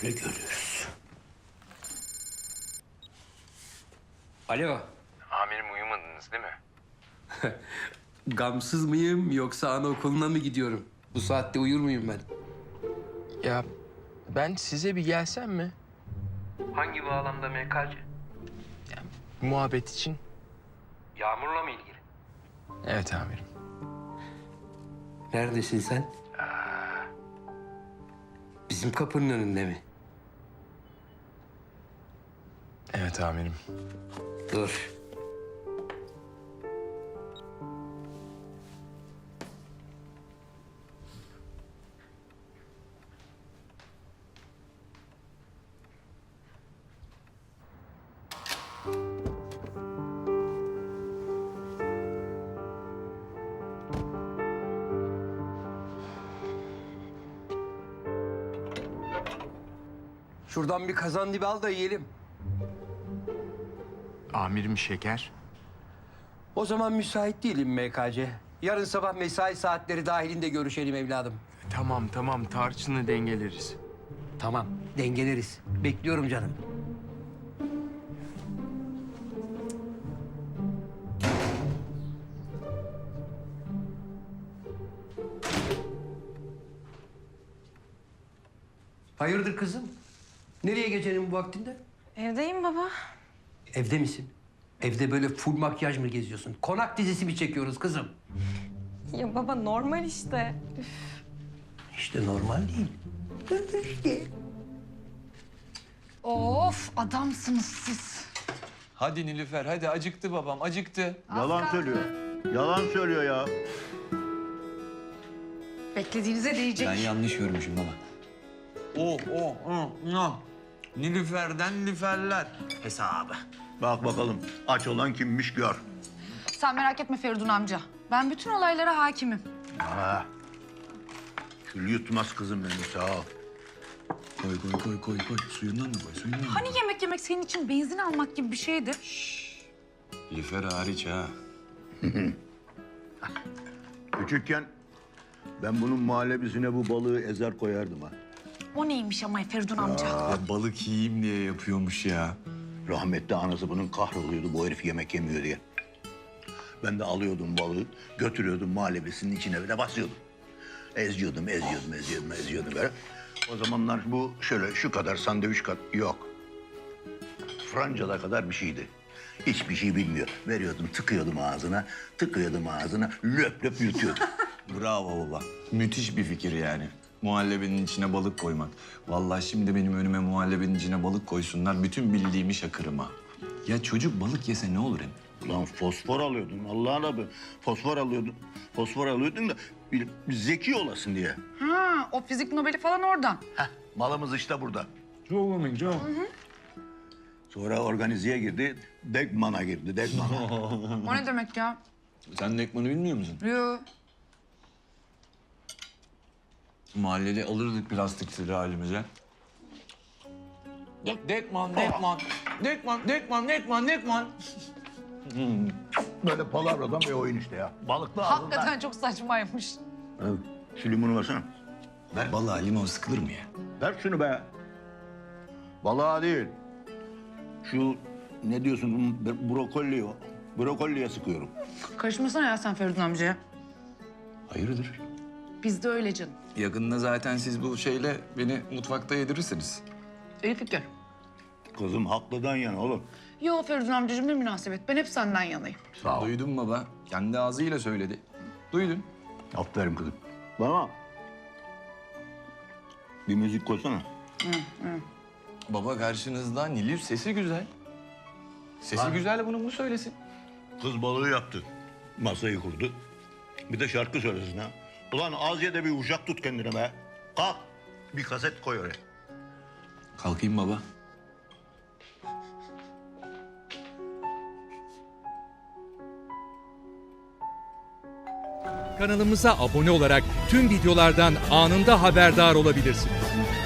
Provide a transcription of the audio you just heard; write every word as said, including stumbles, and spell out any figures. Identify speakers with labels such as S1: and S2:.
S1: öyle görürüz. Alo.
S2: Amirim uyumadınız değil mi?
S1: Gamsız mıyım yoksa anaokuluna mı gidiyorum? Bu saatte uyur muyum ben?
S3: Ya ben size bir gelsem mi?
S1: Hangi bağlamda M K C?
S3: Muhabbet için.
S1: Yağmurla mı ilgili?
S3: Evet amirim.
S1: Neredesin sen? Bizim kapının önünde mi?
S3: Evet amirim.
S1: Dur. Şuradan bir kazan dibi al da yiyelim.
S3: Amirim şeker.
S1: O zaman müsait değilim M K C. Yarın sabah mesai saatleri dahilinde görüşelim evladım.
S3: Tamam tamam tarçını dengeleriz.
S1: Tamam, dengeleriz. Bekliyorum canım. Hayırdır kızım? Nereye gecenin bu vaktinde?
S4: Evdeyim baba.
S1: Evde misin? Evde böyle full makyaj mı geziyorsun? Konak dizisi mi çekiyoruz kızım?
S4: Ya baba normal işte.
S1: İşte normal değil.
S5: Of adamsınız siz.
S6: Hadi Nilüfer, hadi acıktı babam, acıktı.
S7: Yalan söylüyor. Yalan söylüyor ya.
S5: Beklediğinize değecek.
S6: Ben yanlış görmüşüm baba. Oh, oh, oh, oh. Nilüfer'den Nilüferler hesabı.
S7: Bak bakalım aç olan kimmiş gör.
S5: Sen merak etme Feridun amca. Ben bütün olaylara hakimim.
S7: Ha. Kül yutmaz kızım benim sağ ol.
S6: Koy, koy, koy, koy, koy. Suyundan mı koy, suyundan mı?
S5: Hani yemek yemek senin için benzin almak gibi bir şeydi?
S6: Nilüfer hariç ha.
S7: Küçükken ben bunun muhallebisine bu balığı ezer koyardım ha.
S5: O neymiş ama Feridun amca?
S6: Ya balık yiyeyim diye yapıyormuş ya.
S7: Rahmetli anası bunun kahroluyordu bu herif yemek yemiyor diye. Ben de alıyordum balığı, götürüyordum muhallebisinin içine ve de basıyordum. Eziyordum, eziyordum, eziyordum, eziyordum böyle. O zamanlar bu şöyle şu kadar sandviç kat yok. Francada kadar bir şeydi. Hiçbir şey bilmiyor. Veriyordum, tıkıyordum ağzına, tıkıyordum ağzına, löp löp yutuyordum.
S6: Bravo baba. Müthiş bir fikir yani. Muhallebinin içine balık koymak. Vallahi şimdi benim önüme muhallebinin içine balık koysunlar. Bütün bildiğimi şakırım ha. Ya çocuk balık yese ne olur hem?
S7: Ulan fosfor alıyordun Allah'ın adı. Fosfor alıyordun. Fosfor alıyordun da bir, bir zeki olasın diye.
S5: Ha, o fizik Nobel'i falan oradan.
S7: Heh, malımız işte burada.
S6: Çok komik, çok.
S7: Sonra organizeye girdi, Degman'a girdi, Degman'a.
S5: O ne demek ya?
S6: Sen de ekmanı bilmiyor musun?
S5: Yo.
S6: Mahallede alırdık plastikleri halimize. Dek, dekman, dekman, dekman, dekman, dekman, dekman.
S7: Böyle palavradan bir oyun işte ya. Balıklı ağzından.
S5: Hakikaten çok saçmaymış.
S7: Evet. Şu limonu versene.
S6: Balığa limon sıkılır mı ya?
S7: Ver şunu be. Balığa değil. Şu ne diyorsun brokoli, brokoliye sıkıyorum.
S5: Karışmasana ya sen Feridun amcaya.
S6: Hayırdır?
S5: Biz de öyle canım.
S6: Yakında zaten siz bu şeyle beni mutfakta yedirirsiniz.
S5: İyi fikir.
S7: Kızım haklıdan yana oğlum.
S5: Yo Feridun amcacığım ne münasebet. Ben hep senden yanayım.
S7: Sağ ol.
S6: Duydun baba. Kendi ağzıyla söyledi. Duydun.
S7: Aferin kızım. Bana bir müzik koysana.
S6: Baba karşınızda Nilüf sesi güzel. Sesi güzel bunu mu söylesin?
S7: Kız balığı yaptı. Masayı kurdu. Bir de şarkı söylesin ha. Ulan az ye de bir uşak tut kendine be. Kalk. Bir kaset koy oraya.
S6: Kalkayım baba.
S8: Kanalımıza abone olarak tüm videolardan anında haberdar olabilirsiniz.